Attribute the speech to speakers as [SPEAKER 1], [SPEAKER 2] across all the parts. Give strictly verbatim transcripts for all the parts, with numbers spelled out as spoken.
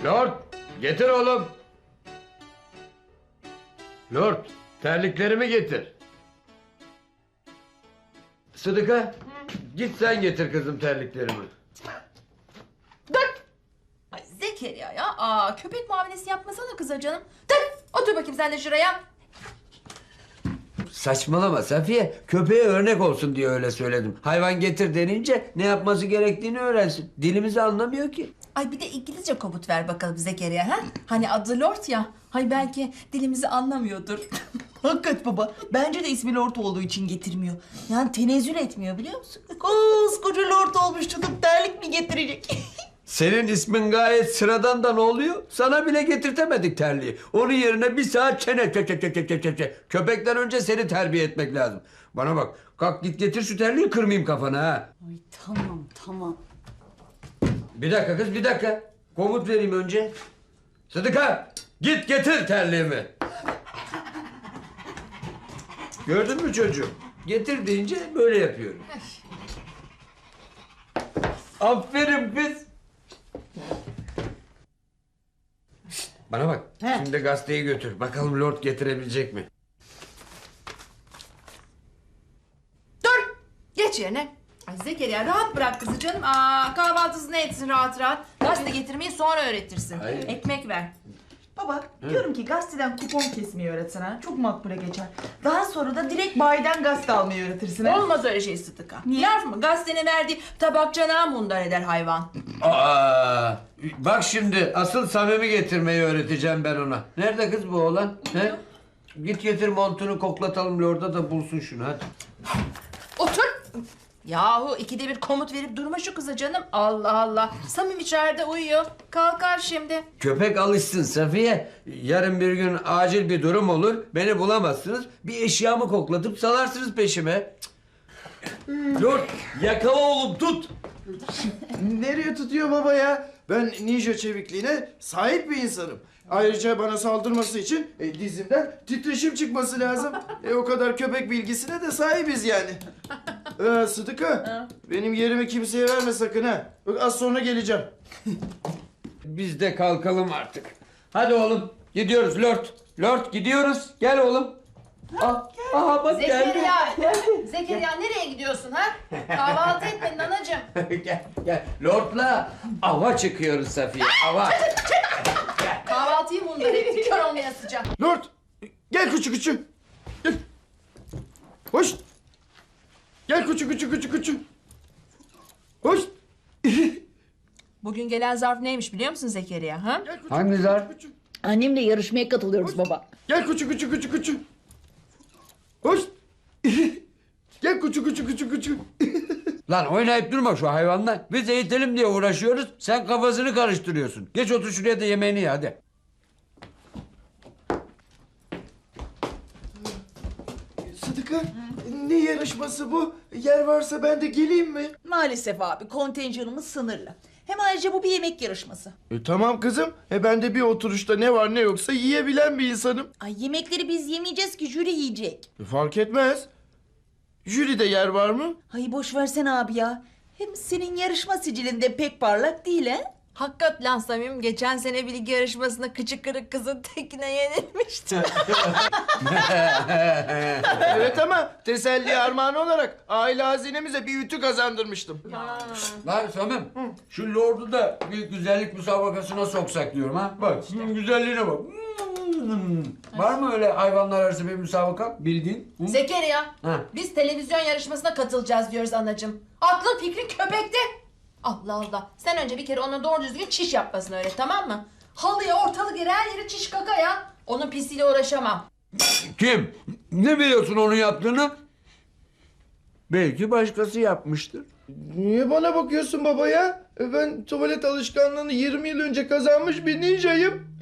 [SPEAKER 1] Lord, getir oğlum. Lord, terliklerimi getir. Sıdıka, git sen getir kızım terliklerimi.
[SPEAKER 2] Dur! Ay Zekeriya ya. Aa, köpek muamelesi yapmasana kıza canım. Dur! Otur bakayım sen de şuraya.
[SPEAKER 1] Saçmalama Safiye. Köpeğe örnek olsun diye öyle söyledim. Hayvan getir denince ne yapması gerektiğini öğrensin. Dilimizi anlamıyor ki.
[SPEAKER 2] Ay bir de İngilizce komut ver bakalım Zekeriya ha? Hani adı Lord ya. Hay belki dilimizi anlamıyordur.
[SPEAKER 3] Hakikat baba. Bence de ismi Lord olduğu için getirmiyor. Yani tenezzül etmiyor biliyor musun? Koskoca Lord olmuş tutup terlik mi getirecek?
[SPEAKER 1] Senin ismin gayet sıradan da ne oluyor? Sana bile getirtemedik terliği. Onun yerine bir saat çene çe çe çe çe çe çe çe. Köpekten önce seni terbiye etmek lazım. Bana bak, kalk git getir şu terliği, kırmayayım kafana ha.
[SPEAKER 3] Ay tamam tamam.
[SPEAKER 1] Bir dakika kız, bir dakika. Komut vereyim önce. Sıdıka, git getir terliğimi. Gördün mü çocuğum? Getir deyince böyle yapıyorum. Aferin kız. Bana bak,
[SPEAKER 3] He.
[SPEAKER 1] şimdi gazeteyi götür. Bakalım Lord getirebilecek mi?
[SPEAKER 2] Dur! Geç yerine. Ay Zekeriya rahat bırak kızı canım. Aa, kahvaltısını etsin rahat rahat. Gazete getirmeyi sonra öğretirsin.
[SPEAKER 1] Ay.
[SPEAKER 2] Ekmek ver.
[SPEAKER 3] Baba diyorum ki gazeteden kupon kesmeyi öğretsen ha. Çok makbule geçer. Daha sonra da direkt bayiden gazete almayı öğretirsin ha.
[SPEAKER 2] Olmaz öyle şey Sıtıka.
[SPEAKER 3] Niye?
[SPEAKER 2] Laf mı? Gazetenin verdiği tabak canağı mundar eder hayvan.
[SPEAKER 1] Aa, bak şimdi asıl Samim'i getirmeyi öğreteceğim ben ona. Nerede kız bu oğlan? He? Git getir montunu, koklatalım Lord'a da bulsun şunu hadi.
[SPEAKER 2] Otur. Yahu ikide bir komut verip durma şu kıza canım. Allah Allah. Samim içeride uyuyor. Kalkar şimdi.
[SPEAKER 1] Köpek alışsın Safiye. Yarın bir gün acil bir durum olur. Beni bulamazsınız. Bir eşyamı koklatıp salarsınız peşime. Cık. Lord yakala oğlum, tut.
[SPEAKER 4] Nereye tutuyor baba ya? Ben ninja çevikliğine sahip bir insanım. Ayrıca bana saldırması için e, dizimden titreşim çıkması lazım. E, o kadar köpek bilgisine de sahibiz yani. Ee, Sıdıka, benim yerimi kimseye verme sakın ha. Bak az sonra geleceğim.
[SPEAKER 1] Biz de kalkalım artık. Hadi oğlum gidiyoruz Lord. Lord gidiyoruz. Gel oğlum. Ah, aha bak geldi.
[SPEAKER 2] Zekeriya. Zekeriya nereye gidiyorsun ha? Kahvaltı etmedin anacığım.
[SPEAKER 1] Gel gel. Lord'la ava çıkıyoruz Safiye. Ava.
[SPEAKER 2] Kahvaltıyı mundar etti. Kör olmaya sıcak.
[SPEAKER 4] Lord, gel küçük küçük. Gel. Hoş. Gel küçük küçük küçük küçük. Hoş.
[SPEAKER 2] Bugün gelen zarf neymiş biliyor musun Zekeriya ha?
[SPEAKER 4] Gel küçük,
[SPEAKER 1] Hangi
[SPEAKER 4] küçük,
[SPEAKER 1] zarf?
[SPEAKER 4] küçük.
[SPEAKER 3] Annemle yarışmaya katılıyoruz baba.
[SPEAKER 4] Gel küçük küçük küçük küçük. Hoş. Gel küçük küçük küçük küçük.
[SPEAKER 1] Lan oynayıp durma şu hayvanla. Biz eğitelim diye uğraşıyoruz. Sen kafasını karıştırıyorsun. Geç otur şuraya da yemeğini ye hadi.
[SPEAKER 4] Sıdıka, ne yarışması bu? Yer varsa ben de geleyim mi?
[SPEAKER 3] Maalesef abi kontenjanımız sınırlı. Hem ayrıca bu bir yemek yarışması.
[SPEAKER 4] E, tamam kızım. E, ben de bir oturuşta ne var ne yoksa yiyebilen bir insanım.
[SPEAKER 3] Ay yemekleri biz yemeyeceğiz ki jüri yiyecek.
[SPEAKER 4] E, fark etmez. Jüride yer var mı?
[SPEAKER 3] Ay boş versene abi ya. Hem senin yarışma sicilinde pek parlak değil he?
[SPEAKER 2] Hakikat lan Samim geçen sene bilgi yarışmasında kıçı kırık kızın tekine yenilmişti.
[SPEAKER 4] Evet ama teselli armağanı olarak aile hazinemize bir ütü kazandırmıştım.
[SPEAKER 1] Lan Samim, şu Lord'u da bir güzellik müsabakasına soksak diyorum ha. Bak, şunun güzelliğine bak. Var mı öyle hayvanlar arası bir müsabaka bildiğin? Hı?
[SPEAKER 2] Zekeriya
[SPEAKER 1] Ha.
[SPEAKER 2] biz televizyon yarışmasına katılacağız diyoruz anacığım. Aklın fikrin köpekte. Allah Allah. Sen önce bir kere ona doğru düzgün çiş yapmasını öğret tamam mı? Halıya ortalık yere her yere çiş kaka ya. Onun pisliğiyle uğraşamam.
[SPEAKER 1] Kim? Ne biliyorsun onun yaptığını? Belki başkası yapmıştır.
[SPEAKER 4] Niye bana bakıyorsun baba ya? E, ben tuvalet alışkanlığını yirmi yıl önce kazanmış bir ninjayım.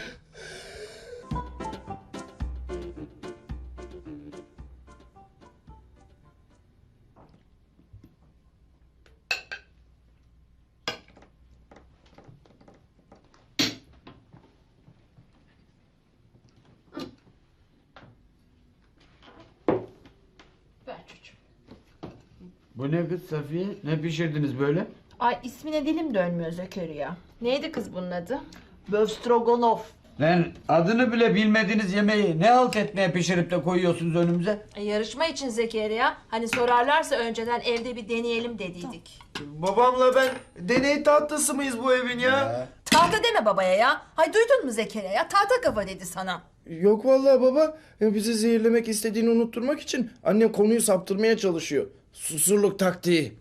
[SPEAKER 2] Ver çocuğum.
[SPEAKER 1] Bu ne kız Safiye? Ne pişirdiniz böyle?
[SPEAKER 2] Ay ismine dilim dönmüyor Zekeriya. Neydi kız bunun adı?
[SPEAKER 3] Böfstroganov.
[SPEAKER 1] Lan adını bile bilmediğiniz yemeği ne halt etmeye pişirip de koyuyorsunuz önümüze?
[SPEAKER 2] E, yarışma için Zekeriya. Hani sorarlarsa önceden evde bir deneyelim dediydik.
[SPEAKER 4] Babamla ben deney tahtası mıyız bu evin ya?
[SPEAKER 2] Tahta deme babaya ya. Hay duydun mu Zekeriya ya? Tahta kafa dedi sana.
[SPEAKER 4] Yok vallahi baba. Ya bizi zehirlemek istediğini unutturmak için annem konuyu saptırmaya çalışıyor. Susurluk taktiği.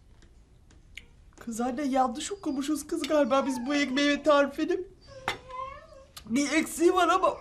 [SPEAKER 3] Kız anne yanlış okumuşuz kız galiba biz bu ekmeği ve tarifini. Bir eksiği var ama.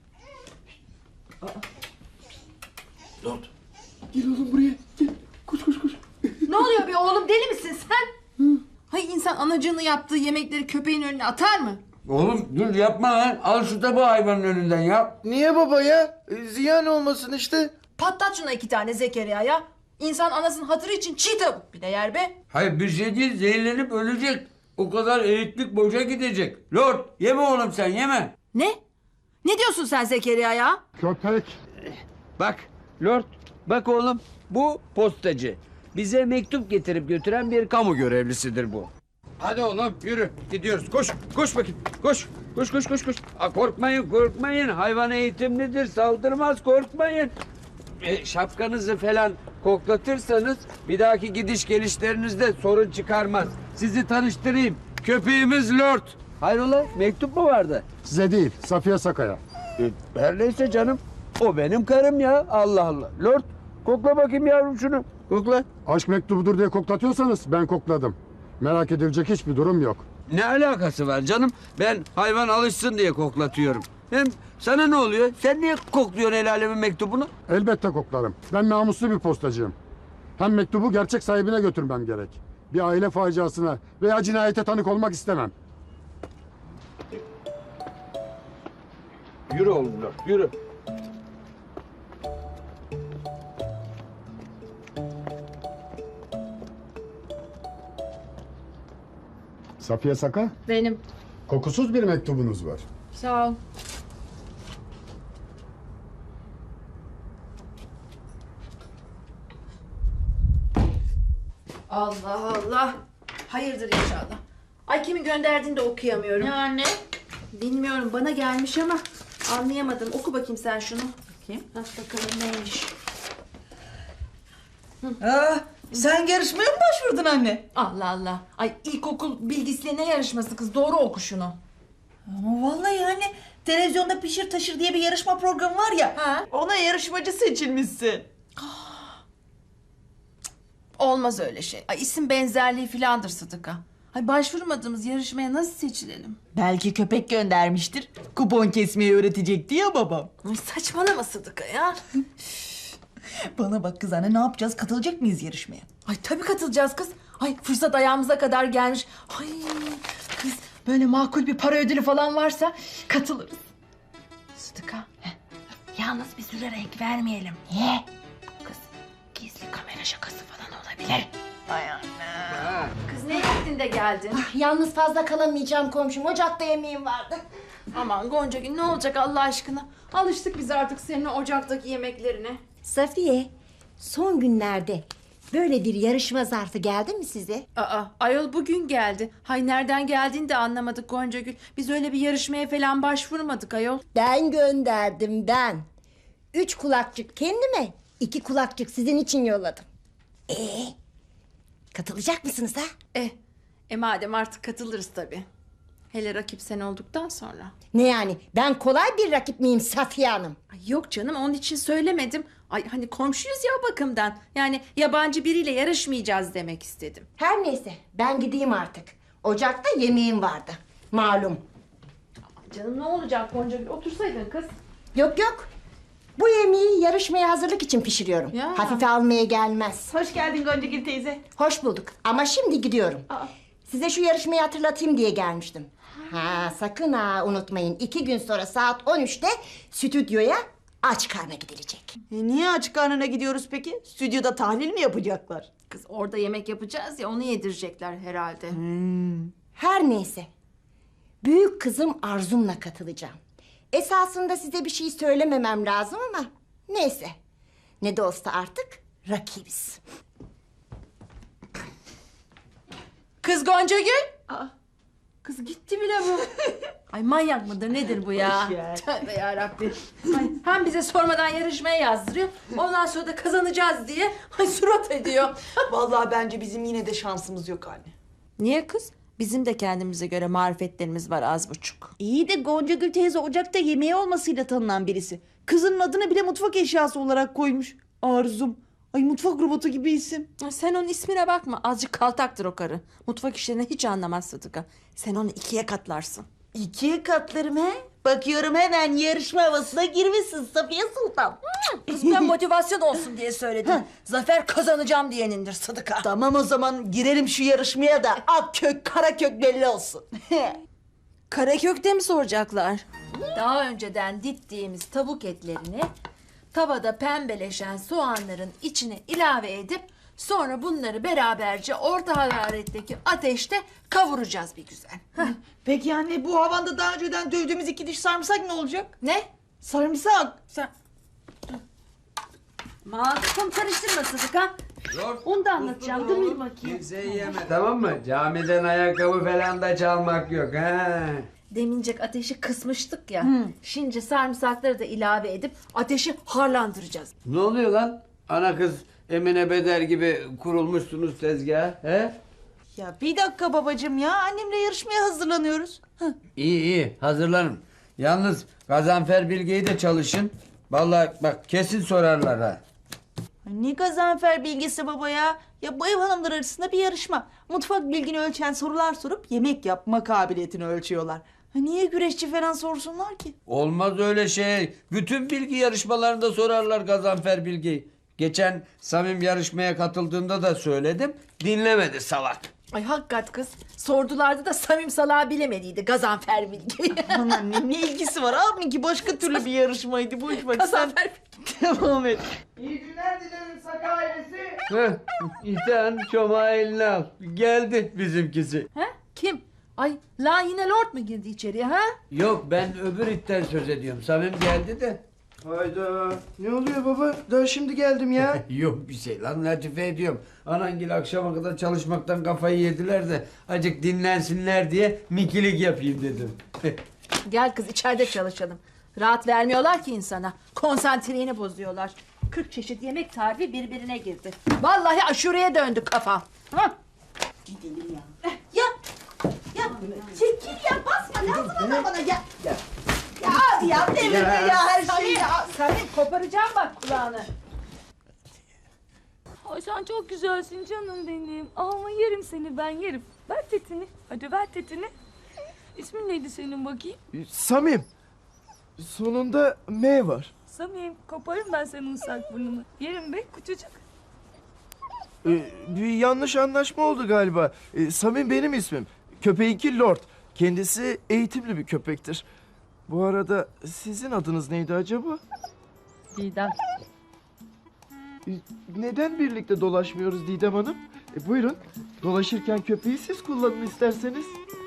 [SPEAKER 4] Lord. Gel oğlum buraya. Gel. Koş koş koş.
[SPEAKER 2] Ne oluyor bir oğlum, deli misin sen? Hay insan anacığını yaptığı yemekleri köpeğin önüne atar mı?
[SPEAKER 1] Oğlum dur yapma lan. Al şu tabağı hayvanın önünden ya.
[SPEAKER 4] Niye baba ya? E, ziyan olmasın işte.
[SPEAKER 2] Patlat şuna iki tane Zekeriya ya. İnsan anasının hatırı için çiğ tavuk bile yer be.
[SPEAKER 1] Hayır bir şey değil, zehirlenip ölecek. O kadar eğitlik boşa gidecek. Lord yeme oğlum sen yeme.
[SPEAKER 2] Ne? Ne diyorsun sen Zekeriya ya?
[SPEAKER 5] Köpek.
[SPEAKER 1] Bak Lord bak oğlum bu postacı. Bize mektup getirip götüren bir kamu görevlisidir bu. Hadi oğlum yürü gidiyoruz. Koş koş bakayım koş. Koş koş koş koş. Aa, korkmayın korkmayın. Hayvan eğitimlidir saldırmaz korkmayın. E, şapkanızı falan koklatırsanız bir dahaki gidiş gelişlerinizde sorun çıkarmaz. Sizi tanıştırayım. Köpeğimiz Lord. Hayrola mektup mu vardı?
[SPEAKER 5] Size değil, Safiye Saka'ya.
[SPEAKER 1] E, her neyse canım. O benim karım ya. Allah Allah. Lord kokla bakayım yavrum şunu. Kokla.
[SPEAKER 5] Aşk mektubudur diye koklatıyorsanız ben kokladım. Merak edilecek hiçbir durum yok.
[SPEAKER 1] Ne alakası var canım? Ben hayvan alışsın diye koklatıyorum. Hem sana ne oluyor? Sen niye kokluyorsun el alemin mektubunu?
[SPEAKER 5] Elbette koklarım. Ben namuslu bir postacıyım. Hem mektubu gerçek sahibine götürmem gerek. Bir aile faciasına veya cinayete tanık olmak istemem.
[SPEAKER 1] Yürü oğlum Lord, yürü.
[SPEAKER 5] Safiye Saka,
[SPEAKER 2] Benim.
[SPEAKER 5] kokusuz bir mektubunuz var.
[SPEAKER 2] Sağ ol. Allah Allah. Hayırdır inşallah. Ay kimin gönderdiğini de okuyamıyorum.
[SPEAKER 3] Ne anne?
[SPEAKER 2] Bilmiyorum, bana gelmiş ama anlayamadım. Oku bakayım sen şunu.
[SPEAKER 3] Bakayım.
[SPEAKER 2] Bak bakalım neymiş.
[SPEAKER 3] Aa, sen yarışmaya mı başvurdun anne?
[SPEAKER 2] Allah Allah. Ay ilkokul bilgisiyle ne yarışması kız? Doğru oku şunu.
[SPEAKER 3] Ama vallahi anne televizyonda Pişir Taşır diye bir yarışma programı var ya.
[SPEAKER 2] Ha?
[SPEAKER 3] Ona yarışmacı seçilmişsin.
[SPEAKER 2] Olmaz öyle şey. Ay isim benzerliği filandır Sıdıka. Ay başvurmadığımız yarışmaya nasıl seçilelim?
[SPEAKER 3] Belki köpek göndermiştir. Kupon kesmeyi öğretecekti ya babam.
[SPEAKER 2] Ay saçmalama Sıdıka ya.
[SPEAKER 3] Bana bak kız anne ne yapacağız? Katılacak mıyız yarışmaya?
[SPEAKER 2] Ay tabii katılacağız kız. Ay fırsat ayağımıza kadar gelmiş. Ay kız böyle makul bir para ödülü falan varsa katılırız. Sıdıka. heh, Yalnız bir süre renk vermeyelim. Niye? Kız gizli kamera şakası falan olabilir.
[SPEAKER 3] Ay anne.
[SPEAKER 2] Kız ne yaptın da geldin?
[SPEAKER 6] Yalnız fazla kalamayacağım komşum. Ocakta yemeğim vardı.
[SPEAKER 2] Aman Gonca Gül ne olacak Allah aşkına? Alıştık biz artık senin ocaktaki yemeklerine.
[SPEAKER 6] Safiye, son günlerde böyle bir yarışma zarfı geldi mi size?
[SPEAKER 2] Aa, ayol bugün geldi. Hay nereden geldiğini de anlamadık Gonca Gül. Biz öyle bir yarışmaya falan başvurmadık ayol.
[SPEAKER 6] Ben gönderdim ben. Üç kulakçık kendime, iki kulakçık sizin için yolladım. Ee, katılacak mısınız ha?
[SPEAKER 2] Eh, e madem artık katılırız tabii. Hele rakip sen olduktan sonra.
[SPEAKER 6] Ne yani? Ben kolay bir rakip miyim Safiye Hanım?
[SPEAKER 2] Ay yok canım onun için söylemedim. Ay hani komşuyuz ya o bakımdan. Yani yabancı biriyle yarışmayacağız demek istedim.
[SPEAKER 6] Her neyse, ben gideyim artık. Ocakta yemeğim vardı. Malum.
[SPEAKER 2] Canım ne olacak Gonca Gül? Otursaydın kız.
[SPEAKER 6] Yok yok. Bu yemeği yarışmaya hazırlık için pişiriyorum.
[SPEAKER 2] Ya.
[SPEAKER 6] Hafife almaya gelmez.
[SPEAKER 3] Hoş geldin Goncagül teyze.
[SPEAKER 6] Hoş bulduk ama şimdi gidiyorum. Size şu yarışmayı hatırlatayım diye gelmiştim. Ha sakın ha unutmayın. İki gün sonra saat on üçte stüdyoya aç karna gidilecek.
[SPEAKER 3] E, niye aç karnına gidiyoruz peki? Stüdyoda tahlil mi yapacaklar?
[SPEAKER 2] Kız orada yemek yapacağız ya onu yedirecekler herhalde.
[SPEAKER 6] Her neyse. Büyük kızım Arzum'la katılacağım. Esasında size bir şey söylememem lazım ama neyse. Ne de olsa artık rakibiz.
[SPEAKER 2] Kız Gonca Gül. Aa, kız gitti bile bu. Ay Ay manyak mıdır nedir bu ya? Tövbe yarabbim. Ay, hem bize sormadan yarışmaya yazdırıyor. Ondan sonra da kazanacağız diye ay surat ediyor.
[SPEAKER 3] Vallahi bence bizim yine de şansımız yok anne.
[SPEAKER 2] Niye kız? Bizim de kendimize göre marifetlerimiz var az buçuk.
[SPEAKER 3] İyi de Gonca Gül teyze ocakta yemeği olmasıyla tanınan birisi. Kızının adını bile mutfak eşyası olarak koymuş. Arzum. Ay mutfak robotu gibi isim.
[SPEAKER 2] Ay, sen onun ismine bakma. Azıcık kaltaktır o karı. Mutfak işlerini hiç anlamaz Sıdıka. Sen onu ikiye katlarsın.
[SPEAKER 3] İkiye katlarım he. Bakıyorum hemen yarışma havasına girmişsin Safiye Sultan.
[SPEAKER 2] Kız ben motivasyon olsun diye söyledim. Zafer kazanacağım diyenindir Sıdıka.
[SPEAKER 3] Tamam o zaman girelim şu yarışmaya da ak kök kara kök belli olsun.
[SPEAKER 2] Karakök'te mi soracaklar? Daha önceden dittiğimiz tavuk etlerini tavada pembeleşen soğanların içine ilave edip sonra bunları beraberce orta hararetteki ateşte kavuracağız bir güzel. Heh.
[SPEAKER 3] Peki anne bu havanda daha önceden dövdüğümüz iki diş sarımsak ne olacak?
[SPEAKER 2] Ne?
[SPEAKER 3] Sarımsak.
[SPEAKER 2] Sen... Masum karıştırma Sıdıka. Onu da anlatacağım. Dur bir bakayım.
[SPEAKER 1] Kimseyi yeme tamam mı? Camiden ayakkabı falan da çalmak yok ha.
[SPEAKER 2] Demincek ateşi kısmıştık ya. Şimdi sarımsakları da ilave edip ateşi harlandıracağız.
[SPEAKER 1] Ne oluyor lan? Ana kız Emine Beder gibi kurulmuşsunuz tezgaha he?
[SPEAKER 3] Ya bir dakika babacığım ya annemle yarışmaya hazırlanıyoruz. Hı.
[SPEAKER 1] İyi iyi hazırlanın. Yalnız Gazanfer Bilge'yi de çalışın. Vallahi bak kesin sorarlar ha.
[SPEAKER 3] Ne Gazanfer bilgisi baba ya? Ya bu ev hanımlar arasında bir yarışma. Mutfak bilgini ölçen sorular sorup yemek yapma kabiliyetini ölçüyorlar. Ha niye güreşçi falan sorsunlar ki?
[SPEAKER 1] Olmaz öyle şey. Bütün bilgi yarışmalarında sorarlar Gazanfer Bilge'yi. Geçen Samim yarışmaya katıldığında da söyledim. Dinlemedi salak.
[SPEAKER 2] Ay hakikat kız. Sordularda da Samim Salağı bilemediydi Gazanfer Bilgi.
[SPEAKER 3] Aman ne, ne ilgisi var abi ki başka türlü bir yarışmaydı. Boş ver sen
[SPEAKER 2] Gazanfer
[SPEAKER 3] devam et.
[SPEAKER 4] İyi günler dilerim Saka ailesi.
[SPEAKER 1] Heh, İten çomağı eline al. Geldi bizimkisi.
[SPEAKER 2] Ha? Kim? Ay la yine lord mu girdi içeriye ha?
[SPEAKER 1] Yok ben öbür itten söz ediyorum. Samim geldi de.
[SPEAKER 4] Hayda. Ne oluyor baba? Daha şimdi geldim ya.
[SPEAKER 1] Yok bir şey lan latife ediyorum. Anangil akşama kadar çalışmaktan kafayı yediler de acık dinlensinler diye mikilik yapayım dedim.
[SPEAKER 2] Gel kız içeride çalışalım. Rahat vermiyorlar ki insana. Konsantreğini bozuyorlar. Kırk çeşit yemek tarifi birbirine girdi. Vallahi aşureye döndü kafa. Ha?
[SPEAKER 3] Ya ya çekil ya basma lazım ama bana ya. Ya, ya abi ya devirme ya, her şeyi ya.
[SPEAKER 2] Samim koparacağım bak kulağını.
[SPEAKER 7] Ay sen çok güzelsin canım benim. Ama yerim seni ben yerim. Ver tetini. Hadi ver tetini. İsmin neydi senin bakayım?
[SPEAKER 4] Samim. Sonunda M var.
[SPEAKER 7] Samim koparım ben senin ıslak burnunu. Yerim be küçücük.
[SPEAKER 4] Ee, bir yanlış anlaşma oldu galiba. Ee, Samim benim ismim. Köpeğinki Lord. Kendisi eğitimli bir köpektir. Bu arada sizin adınız neydi acaba?
[SPEAKER 7] Didem.
[SPEAKER 4] Ee, Neden birlikte dolaşmıyoruz Didem Hanım? E, buyurun. Dolaşırken köpeği siz kullanın isterseniz.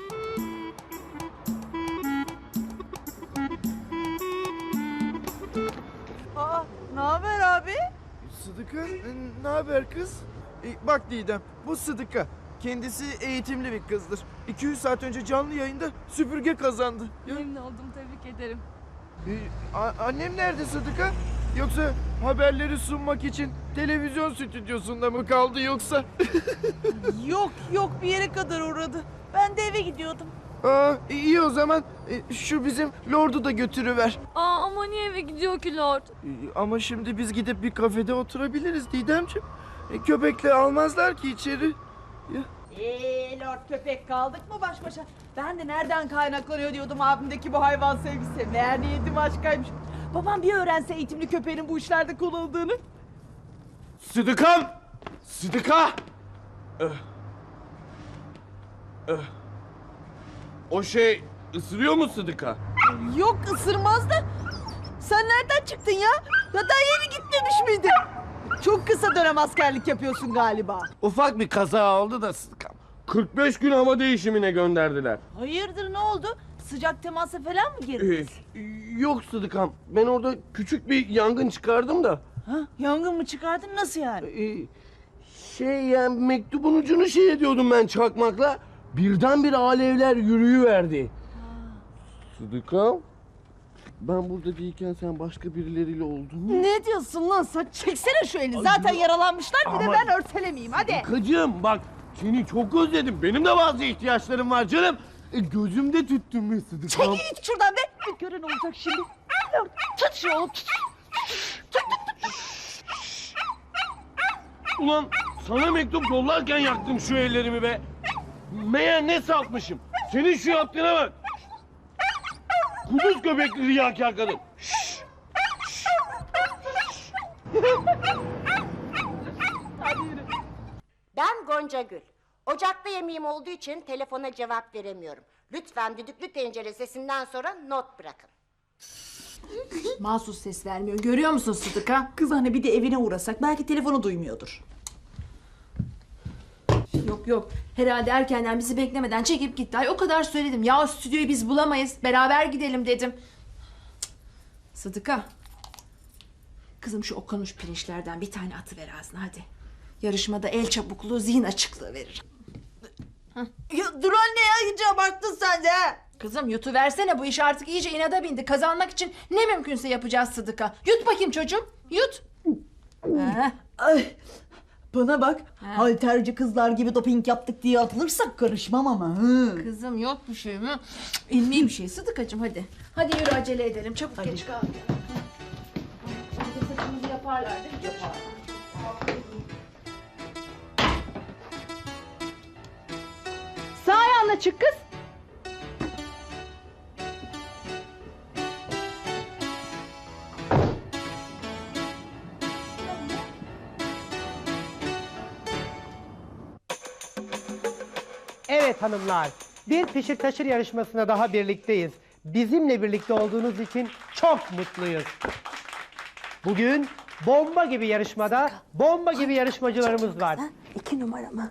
[SPEAKER 3] Aa, ne haber abi?
[SPEAKER 4] Sıdıka, ne haber kız? E, bak Didem, bu Sıdıka. Kendisi eğitimli bir kızdır. iki yüz saat önce canlı yayında süpürge kazandı. Ya,
[SPEAKER 7] Memnun oldum tebrik ederim.
[SPEAKER 4] e, a- annem nerede Sıdıka? Yoksa haberleri sunmak için televizyon stüdyosunda mı kaldı yoksa?
[SPEAKER 3] Yok yok bir yere kadar uğradı. Ben de eve gidiyordum.
[SPEAKER 4] Aa, iyi o zaman e, şu bizim Lord'u da götürüver.
[SPEAKER 7] Aa ama niye eve gidiyor ki Lord?
[SPEAKER 4] E, ama şimdi biz gidip bir kafede oturabiliriz Didemciğim. E, köpekle almazlar ki içeri. Ya.
[SPEAKER 3] Eee Lord köpek kaldık mı baş başa? Ben de nereden kaynaklanıyor diyordum abimdeki bu hayvan sevgisi. Meğer niyetim aşkaymış. Babam bir öğrense eğitimli köpeğin bu işlerde kullanıldığını.
[SPEAKER 8] Sıdıkam! Sıdıka! Öh. Öh. O şey ısırıyor mu Sıdıka?
[SPEAKER 3] Yok ısırmaz da. Sen nereden çıktın ya? Ya daha yeni gitmemiş miydin? Çok kısa dönem askerlik yapıyorsun galiba.
[SPEAKER 8] Ufak bir kaza oldu da Sıdıkam. kırk beş gün hava değişimine gönderdiler.
[SPEAKER 3] Hayırdır ne oldu? Sıcak temasa falan mı
[SPEAKER 8] Ee,
[SPEAKER 3] girdiniz?
[SPEAKER 8] yok Sıdıkam. Ben orada küçük bir yangın çıkardım da.
[SPEAKER 3] Ha, yangın mı çıkardın nasıl yani?
[SPEAKER 8] Ee, şey yani mektubun ucunu şey ediyordum ben çakmakla. Birdenbire alevler yürüyüverdi. Sıdıka, ben burada değilken sen başka birileriyle oldun mu?
[SPEAKER 3] Ne diyorsun lan sen? Çeksene şu elini. Zaten yaralanmışlar bir de
[SPEAKER 8] Ama-
[SPEAKER 3] ben örtelemeyeyim hadi.
[SPEAKER 8] Sıdıkacığım bak seni çok özledim. Benim de bazı ihtiyaçlarım var canım. E, gözümde tüttün be Sıdıkam.
[SPEAKER 3] Çekil git şuradan be. Bir gören olacak şimdi. Tut şu oğlum tut.
[SPEAKER 8] Ulan sana mektup yollarken yaktım şu ellerimi be. Meğer ne saltmışım. Senin şu yaptığına bak. Kuduz göbekli riyakâr kadın.
[SPEAKER 6] Ben Gonca Gül. Ocakta yemeğim olduğu için telefona cevap veremiyorum. Lütfen düdüklü tencere sesinden sonra not bırakın.
[SPEAKER 2] Mahsus ses vermiyor. Görüyor musun Sıdıka?
[SPEAKER 3] Kız anne bir de evine uğrasak belki telefonu duymuyordur.
[SPEAKER 2] Yok yok. Herhalde erkenden bizi beklemeden çekip gitti. Ay o kadar söyledim. Ya stüdyoyu biz bulamayız. Beraber gidelim dedim. Cık. Sıdıka. Kızım şu okanuş pirinçlerden bir tane atıver ağzına hadi. Yarışmada el çabukluğu, zihin açıklığı verir.
[SPEAKER 3] Ya dur anne ya iyice abarttın sen de. ha.
[SPEAKER 2] Kızım yutuversene, bu iş artık iyice inada bindi. Kazanmak için ne mümkünse yapacağız Sıdıka. Yut bakayım çocuğum. Yut. Heh.
[SPEAKER 3] Ay, bana bak halterci kızlar gibi doping yaptık diye atılırsak karışmam ama. Hı.
[SPEAKER 2] Kızım yok bir şey mi? İlmi bir şey Sıdıkacığım hadi. Hadi yürü acele edelim. Çabuk geç kal. Hadi saçımızı yaparlar değil mi? Yaparlar.
[SPEAKER 3] Sağ ayağınla çık kız.
[SPEAKER 9] Evet hanımlar, bir pişir taşır yarışmasına daha birlikteyiz. Bizimle birlikte olduğunuz için çok mutluyuz. Bugün bomba gibi yarışmada bomba gibi yarışmacılarımız var.
[SPEAKER 3] İki numara mı?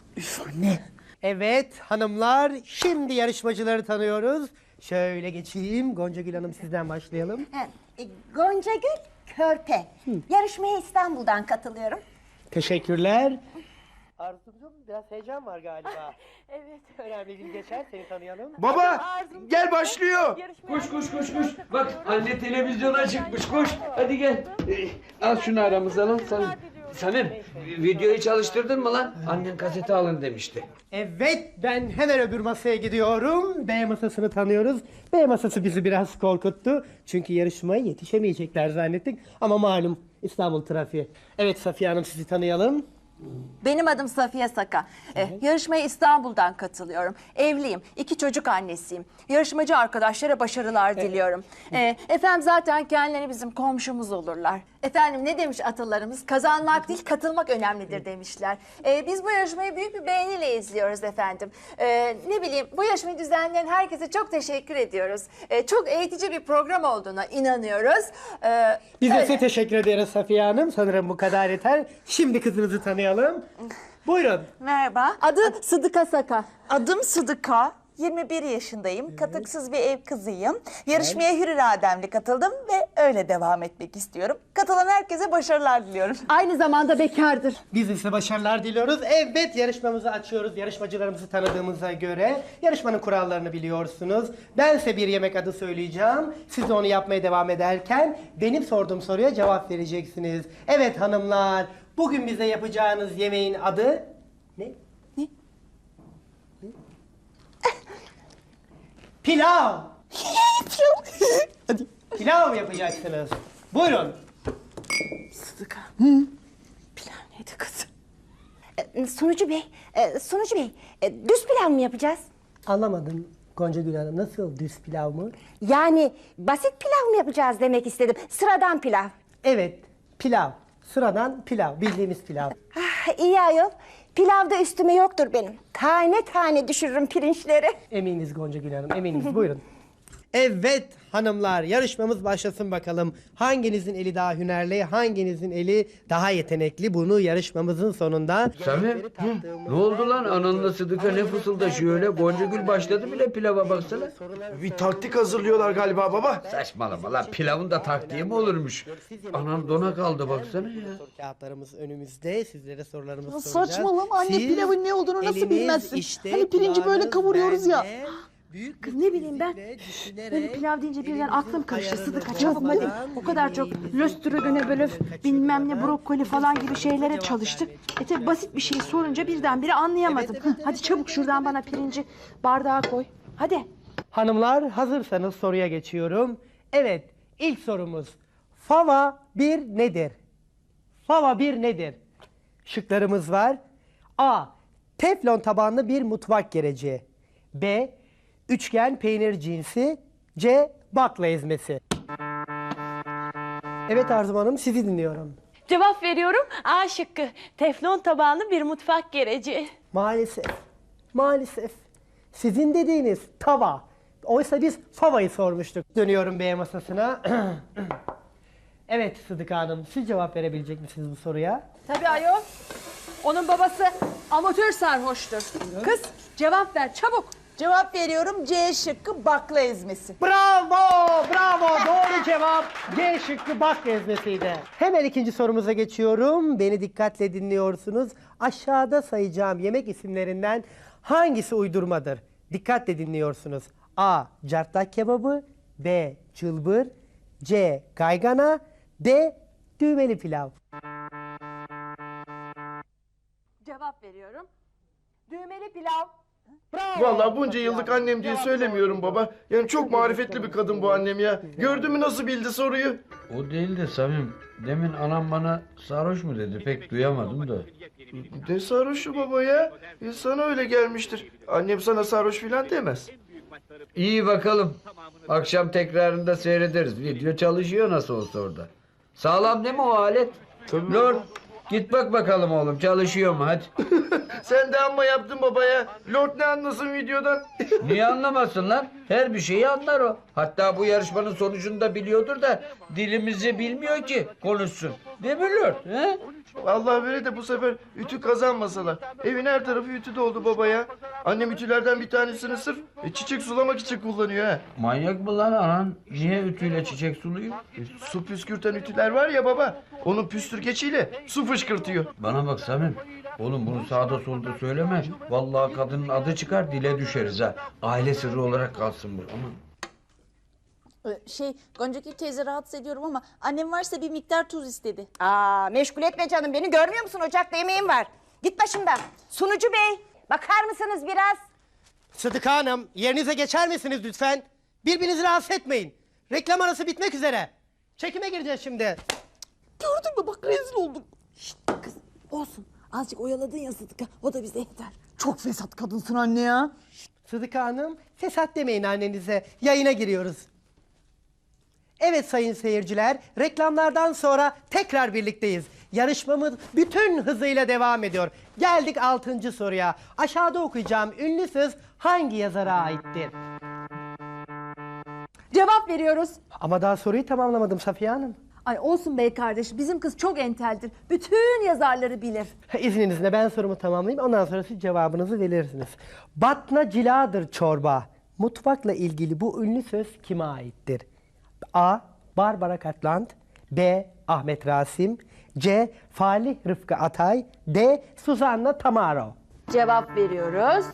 [SPEAKER 9] Evet hanımlar, şimdi yarışmacıları tanıyoruz. Şöyle geçeyim, Gonca Gül Hanım sizden başlayalım.
[SPEAKER 6] E, Gonca Gül Körpe. Yarışmaya İstanbul'dan katılıyorum.
[SPEAKER 9] Teşekkürler. Arzucuğum biraz heyecan var galiba. Evet. Önemli bir geçer, seni tanıyalım.
[SPEAKER 1] Baba gel başlıyor. Koş koş koş koş. Bak anne televizyona çıkmış koş. Hadi gel. Ee, al şunu aramıza lan. Sen, Samim videoyu çalıştırdın mı lan? Annen kaseti alın demişti.
[SPEAKER 9] Evet, ben hemen öbür masaya gidiyorum. B masasını tanıyoruz. B masası bizi biraz korkuttu. Çünkü yarışmaya yetişemeyecekler zannettik. Ama malum İstanbul trafiği. Evet Safiye Hanım, sizi tanıyalım.
[SPEAKER 10] Benim adım Safiye Saka. Ee, yarışmaya İstanbul'dan katılıyorum. Evliyim, iki çocuk annesiyim. Yarışmacı arkadaşlara başarılar diliyorum. Ee, efendim zaten kendileri bizim komşumuz olurlar. Efendim ne demiş atalarımız? Kazanmak değil, katılmak önemlidir demişler. Ee, biz bu yarışmayı büyük bir beğeniyle izliyoruz efendim. Ee, ne bileyim, bu yarışmayı düzenleyen herkese çok teşekkür ediyoruz. Ee, çok eğitici bir program olduğuna inanıyoruz. Ee,
[SPEAKER 9] Biz de
[SPEAKER 10] öyle.
[SPEAKER 9] size teşekkür ederiz Safiye Hanım. Sanırım bu kadar yeter. Şimdi kızınızı tanıyalım. Buyurun.
[SPEAKER 10] Merhaba. Adı Sıdıka Saka.
[SPEAKER 11] Adım Sıdıka. yirmi bir yaşındayım. Katıksız bir ev kızıyım. Yarışmaya hür irademle katıldım ve öyle devam etmek istiyorum. Katılan herkese başarılar diliyorum.
[SPEAKER 10] Aynı zamanda bekardır.
[SPEAKER 9] Biz de size başarılar diliyoruz. Evet, yarışmamızı açıyoruz. Yarışmacılarımızı tanıdığımıza göre yarışmanın kurallarını biliyorsunuz. Ben size bir yemek adı söyleyeceğim. Siz de onu yapmaya devam ederken benim sorduğum soruya cevap vereceksiniz. Evet hanımlar, bugün bize yapacağınız yemeğin adı ne?
[SPEAKER 11] Ne?
[SPEAKER 9] Pilav. Hadi. Pilav yapacaksınız. Buyurun.
[SPEAKER 11] Sıdıka. Pilav neydi kızım?
[SPEAKER 6] E, Sunucu Bey, e, Sunucu Bey, e, düz pilav mı yapacağız?
[SPEAKER 9] Anlamadım Gonca Gül Hanım. Nasıl düz pilav mı?
[SPEAKER 6] Yani basit pilav mı yapacağız demek istedim. Sıradan pilav.
[SPEAKER 9] Evet, pilav. Sıradan pilav. Bildiğimiz pilav.
[SPEAKER 6] Ah, iyi ayol. Pilavda üstüme yoktur benim. Tane tane düşürürüm pirinçleri.
[SPEAKER 9] Eminiz Gonca Gül Hanım, eminiz. Buyurun. Evet hanımlar, yarışmamız başlasın bakalım. Hanginizin eli daha hünerli, hanginizin eli daha yetenekli? Bunu yarışmamızın sonunda...
[SPEAKER 1] Samim hı, ne oldu lan ananla Sıdıka ne fısıldaşıyor öyle? Gonca Gül başladı bile pilava baksana.
[SPEAKER 4] Bir taktik hazırlıyorlar galiba baba.
[SPEAKER 1] Saçmalama lan pilavın da taktiği mi olurmuş? Anam dona kaldı baksana ya.
[SPEAKER 9] Soru kağıtlarımız önümüzde. Sizlere sorularımızı
[SPEAKER 3] Ya
[SPEAKER 9] soracağız.
[SPEAKER 3] saçmalama anne,
[SPEAKER 9] Siz
[SPEAKER 3] pilavın ne olduğunu nasıl
[SPEAKER 9] eliniz
[SPEAKER 3] bilmezsin?
[SPEAKER 9] işte,
[SPEAKER 3] Hani pirinci böyle
[SPEAKER 9] kulağınız
[SPEAKER 3] kavuruyoruz ya.
[SPEAKER 9] bende.
[SPEAKER 12] Kız ne bileyim ben. Böyle pilav deyince birden aklım karıştı. Sıdıka çabuk hadi. O kadar çok löstrogöne böyle bilmem ne brokoli falan gibi şeylere çalıştık. E tabi basit bir şey sorunca birdenbire anlayamadım. Hı, hadi çabuk şuradan bana pirinci bardağa koy. Hadi.
[SPEAKER 9] Hanımlar hazırsanız soruya geçiyorum. Evet, ilk sorumuz. Fava bir nedir? Fava bir nedir? Şıklarımız var. A. Teflon tabanlı bir mutfak gereci. B. Üçgen peynir cinsi. C. Bakla ezmesi. Evet Arzu Hanım, sizi dinliyorum.
[SPEAKER 7] Cevap veriyorum. A şıkkı. Teflon tabanlı bir mutfak gereci.
[SPEAKER 9] Maalesef. Maalesef. Sizin dediğiniz tava. Oysa biz favayı sormuştuk. Dönüyorum B masasına. Evet Sıdıka Hanım, siz cevap verebilecek misiniz bu soruya?
[SPEAKER 2] Tabii ayol. Onun babası amatör sarhoştur. Kız cevap ver çabuk.
[SPEAKER 11] Cevap veriyorum C şıkkı bakla ezmesi.
[SPEAKER 9] Bravo, bravo. Doğru cevap C şıkkı bakla ezmesiydi. Hemen ikinci sorumuza geçiyorum. Beni dikkatle dinliyorsunuz. Aşağıda sayacağım yemek isimlerinden hangisi uydurmadır? Dikkatle dinliyorsunuz. A. Cartlak kebabı. B. Çılbır. C. Kaygana. D. Düğmeli pilav.
[SPEAKER 10] Cevap veriyorum. Düğmeli pilav.
[SPEAKER 9] Bravo.
[SPEAKER 4] Vallahi bunca yıllık annem diye söylemiyorum baba. Yani çok marifetli bir kadın bu annem ya. Gördün mü nasıl bildi soruyu?
[SPEAKER 1] O değil de Samim. Demin anam bana sarhoş mu dedi? Pek duyamadım da.
[SPEAKER 4] Ne sarhoşu baba ya? Ya sana öyle gelmiştir. Annem sana sarhoş filan demez.
[SPEAKER 1] İyi bakalım. Akşam tekrarında seyrederiz. Video çalışıyor nasıl olsa orada. Sağlam değil mi o alet? Lord git bak bakalım oğlum çalışıyor mu hadi.
[SPEAKER 4] Sen de amma yaptın baba ya. Lord ne anlasın videodan?
[SPEAKER 1] Niye anlamasın lan? Her bir şeyi anlar o. Hatta bu yarışmanın sonucunu da biliyordur da dilimizi bilmiyor ki konuşsun. Değil mi Lord? He?
[SPEAKER 4] Vallahi böyle de bu sefer ütü kazanmasalar. Evin her tarafı ütü doldu baba ya. Annem ütülerden bir tanesini sırf e, çiçek sulamak için kullanıyor ha.
[SPEAKER 1] Manyak mı lan anan? Niye ütüyle çiçek suluyor?
[SPEAKER 4] E, su püskürten ütüler var ya baba. Onun püstürgeciyle su fışkırtıyor.
[SPEAKER 1] Bana bak Samim. Oğlum bunu sağda solda söyleme. Vallahi kadının adı çıkar dile düşeriz ha. Aile sırrı olarak kalsın bu. Aman.
[SPEAKER 11] Şey Goncagül teyze rahatsız ediyorum ama annem varsa bir miktar tuz istedi.
[SPEAKER 6] Aa, meşgul etme canım beni, görmüyor musun ocakta yemeğim var. Git başımdan. Sunucu bey, bakar mısınız biraz?
[SPEAKER 9] Sıdıka Hanım, yerinize geçer misiniz lütfen? Birbirinizi rahatsız etmeyin. Reklam arası bitmek üzere. Çekime gireceğiz şimdi.
[SPEAKER 11] Gördün mü bak rezil oldum. Şşt kız olsun azıcık oyaladın ya Sıdıka o da bize yeter. Çok fesat kadınsın anne ya.
[SPEAKER 9] Sıdıka Hanım, fesat demeyin annenize. Yayına giriyoruz. Evet sayın seyirciler, reklamlardan sonra tekrar birlikteyiz. Yarışmamız bütün hızıyla devam ediyor. Geldik altıncı soruya. Aşağıda okuyacağım ünlü söz hangi yazara aittir?
[SPEAKER 2] Cevap veriyoruz.
[SPEAKER 9] Ama daha soruyu tamamlamadım Safiye Hanım.
[SPEAKER 2] Ay olsun bey kardeş bizim kız çok enteldir. Bütün yazarları bilir.
[SPEAKER 9] İzninizle ben sorumu tamamlayayım, ondan sonra siz cevabınızı verirsiniz. Batna ciladır çorba. Mutfakla ilgili bu ünlü söz kime aittir? A. Barbara Cartland. B. Ahmet Rasim. C. Falih Rıfkı Atay. D. Suzanna Tamaro.
[SPEAKER 2] Cevap veriyoruz.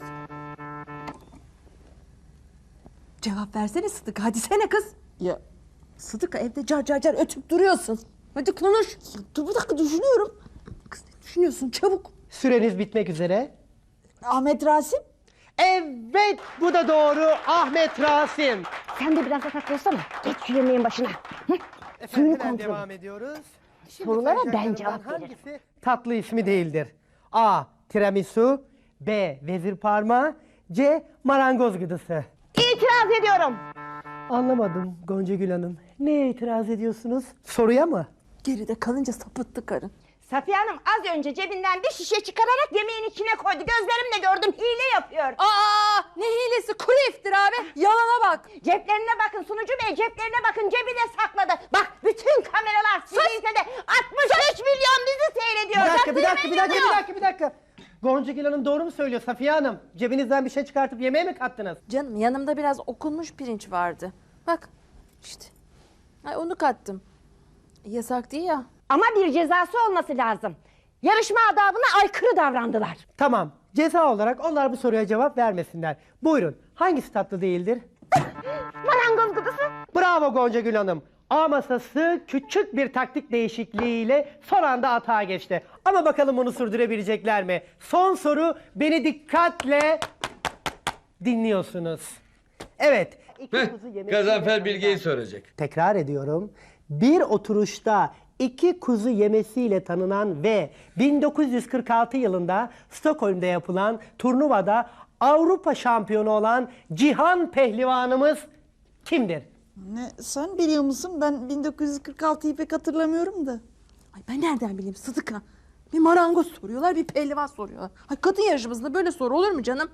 [SPEAKER 2] Cevap versene Sıdıka hadi sene kız.
[SPEAKER 11] Ya
[SPEAKER 2] Sıdıka evde car car car ötüp duruyorsun. Hadi konuş.
[SPEAKER 11] dur bir dakika düşünüyorum.
[SPEAKER 2] Kız ne düşünüyorsun çabuk.
[SPEAKER 9] Süreniz bitmek üzere.
[SPEAKER 11] Ahmet Rasim.
[SPEAKER 9] Evet, bu da doğru. Ahmet Rasim.
[SPEAKER 6] Sen de biraz atak olsana. Geç şu yemeğin başına. Hı?
[SPEAKER 9] Efendim
[SPEAKER 6] Suyunu
[SPEAKER 9] hemen
[SPEAKER 6] kontrol.
[SPEAKER 9] devam ediyoruz. Şimdi
[SPEAKER 6] Sorulara ben
[SPEAKER 9] sayacaklarımdan
[SPEAKER 6] cevap veririm.
[SPEAKER 9] hangisi tatlı ismi değildir? A. Tiramisu. B. Vezir parmağı. C. Marangoz gıdısı.
[SPEAKER 6] İtiraz ediyorum.
[SPEAKER 9] Anlamadım Goncagül Hanım. Neye itiraz ediyorsunuz? Soruya mı?
[SPEAKER 11] Geride kalınca sapıttı karın.
[SPEAKER 6] Safiye Hanım az önce cebinden bir şişe çıkararak yemeğin içine koydu. Gözlerimle gördüm, hile yapıyor.
[SPEAKER 2] Aa ne hilesi kuru iftira be. Yalana bak.
[SPEAKER 6] Ceplerine bakın sunucu bey, ceplerine bakın, cebine sakladı. Bak bütün kameralar sizi izledi. altmış üç milyon bizi seyrediyor.
[SPEAKER 9] Bir dakika, bir
[SPEAKER 6] Bak,
[SPEAKER 9] dakika, bir dakika, bir dakika, bir dakika. Goncagül Hanım doğru mu söylüyor Safiye Hanım? Cebinizden bir şey çıkartıp yemeğe mi kattınız?
[SPEAKER 2] Canım yanımda biraz okunmuş pirinç vardı. Bak işte. Ay onu kattım. Yasak değil ya.
[SPEAKER 6] Ama bir cezası olması lazım. Yarışma adabına aykırı davrandılar.
[SPEAKER 9] Tamam, Ceza olarak onlar bu soruya cevap vermesinler. Buyurun. Hangisi tatlı değildir?
[SPEAKER 6] Marangoz kutusu.
[SPEAKER 9] Bravo Gonca Gül Hanım. A masası küçük bir taktik değişikliğiyle son anda atağa geçti. Ama bakalım bunu sürdürebilecekler mi? Son soru, beni dikkatle dinliyorsunuz. Evet. iki
[SPEAKER 1] Heh,
[SPEAKER 9] kuzu yemesiyle
[SPEAKER 1] Gazanfer Bilge'yi
[SPEAKER 9] tanınan-
[SPEAKER 1] soracak.
[SPEAKER 9] Tekrar ediyorum. Bir oturuşta iki kuzu yemesiyle tanınan ve bin dokuz yüz kırk altı yılında Stockholm'da yapılan turnuvada Avrupa şampiyonu olan Cihan Pehlivanımız kimdir?
[SPEAKER 3] Ne, sen biliyor musun? Ben bin dokuz yüz kırk altıyı pek hatırlamıyorum da.
[SPEAKER 12] Ay ben nereden bileyim Sıdıka? Bir marangoz soruyorlar, bir pehlivan soruyorlar. Ay kadın yarışmasında böyle soru olur mu canım?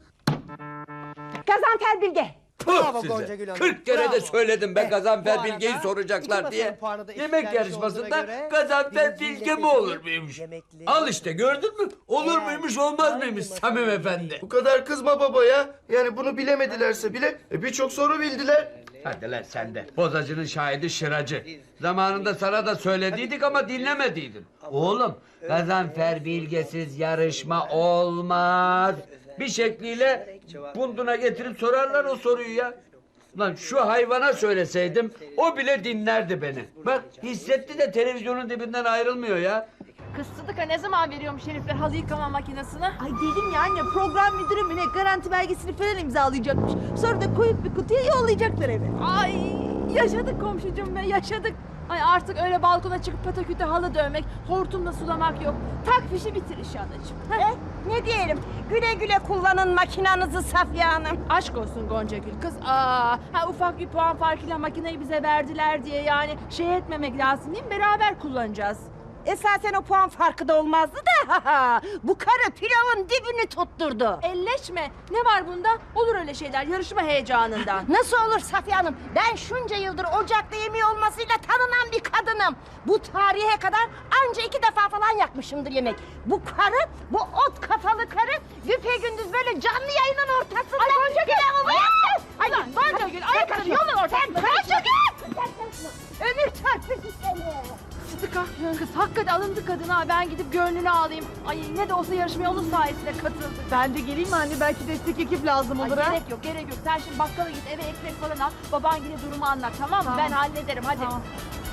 [SPEAKER 6] Gazanfer Bilge.
[SPEAKER 9] Bravo
[SPEAKER 1] Puh
[SPEAKER 9] Gonca
[SPEAKER 1] size.
[SPEAKER 9] Gül Hanım,
[SPEAKER 1] kırk kere de
[SPEAKER 9] bravo.
[SPEAKER 1] söyledim ben
[SPEAKER 9] Evet,
[SPEAKER 1] Gazanfer
[SPEAKER 9] bu
[SPEAKER 1] Bilge'yi
[SPEAKER 9] arada
[SPEAKER 1] soracaklar
[SPEAKER 9] iki
[SPEAKER 1] diye.
[SPEAKER 9] masanın puanı da
[SPEAKER 1] Yemek
[SPEAKER 9] eşitlenmiş
[SPEAKER 1] yarışmasında
[SPEAKER 9] olduğuna göre
[SPEAKER 1] Gazanfer
[SPEAKER 9] birinciyle
[SPEAKER 1] Bilge mi
[SPEAKER 9] seçilen
[SPEAKER 1] olur muymuş?
[SPEAKER 9] yemekli-
[SPEAKER 1] Al işte gördün mü? Olur
[SPEAKER 9] Eğer
[SPEAKER 1] muymuş olmaz
[SPEAKER 9] hangi
[SPEAKER 1] mıymış
[SPEAKER 9] masanın
[SPEAKER 1] Samim
[SPEAKER 9] yemeği-
[SPEAKER 1] Efendi?
[SPEAKER 4] Bu kadar kızma baba ya. Yani bunu bilemedilerse bile e, birçok soru bildiler.
[SPEAKER 1] Hadi lan sen de. Bozacının şahidi şıracı. Zamanında sana da söylediydik ama dinlemediydin. Oğlum Gazanfer Bilgesiz yarışma olmaz. Bir şekliyle bunduna getirip sorarlar o soruyu ya. Lan şu hayvana söyleseydim o bile dinlerdi beni. Bak hissetti de televizyonun dibinden ayrılmıyor ya.
[SPEAKER 2] Kız Sıdıka ne zaman veriyormuş herifler halı yıkama makinesini?
[SPEAKER 3] Ay dedim ya anne, program müdürü mü ne garanti belgesini falan imzalayacakmış. Sonra da koyup bir kutuya yollayacaklar eve.
[SPEAKER 2] Ay yaşadık komşucuğum be yaşadık. Ay artık öyle balkona çıkıp pataküte halı dövmek, hortumla sulamak yok. Tak fişi bitir iş anacığım. Heh.
[SPEAKER 6] Eh, ne diyelim? Güle güle kullanın makinanızı Safiye Hanım.
[SPEAKER 2] Aşk olsun Gonca Gül kız. Aa, ha ufak bir puan farkıyla makineyi bize verdiler diye yani şey etmemek lazım değil mi? Beraber kullanacağız.
[SPEAKER 6] Esasen o puan farkı da olmazdı da. Bu karı pilavın dibini tutturdu.
[SPEAKER 2] Elleşme. Ne var bunda? Olur öyle şeyler yarışma heyecanından.
[SPEAKER 6] Nasıl olur Safiye Hanım? Ben şunca yıldır ocakta yemeği olmasıyla tanınan bir kadınım. Bu tarihe kadar anca iki defa falan yakmışımdır yemek. Bu karı, bu ot kafalı karı güpegündüz böyle canlı yayının ortasında... Ay Gonca Gül! Ay Gonca Gül! Ayakları yolun ortasında! Gonca Gül! Ömür çarpıcı seni!
[SPEAKER 2] Sıdıka kız hakikaten alındı kadına. Ben gidip gönlünü alayım. Ay ne de olsa yarışmaya onun sayesinde katıldı.
[SPEAKER 3] Ben de geleyim mi anne? Belki destek ekip lazım
[SPEAKER 2] Ay,
[SPEAKER 3] olur ha.
[SPEAKER 2] gerek yok gerek yok. Sen şimdi bakkala git eve ekmek falan al. Baban yine durumu anlat tamam mı?
[SPEAKER 3] Tamam.
[SPEAKER 2] Ben hallederim hadi.
[SPEAKER 3] Tamam.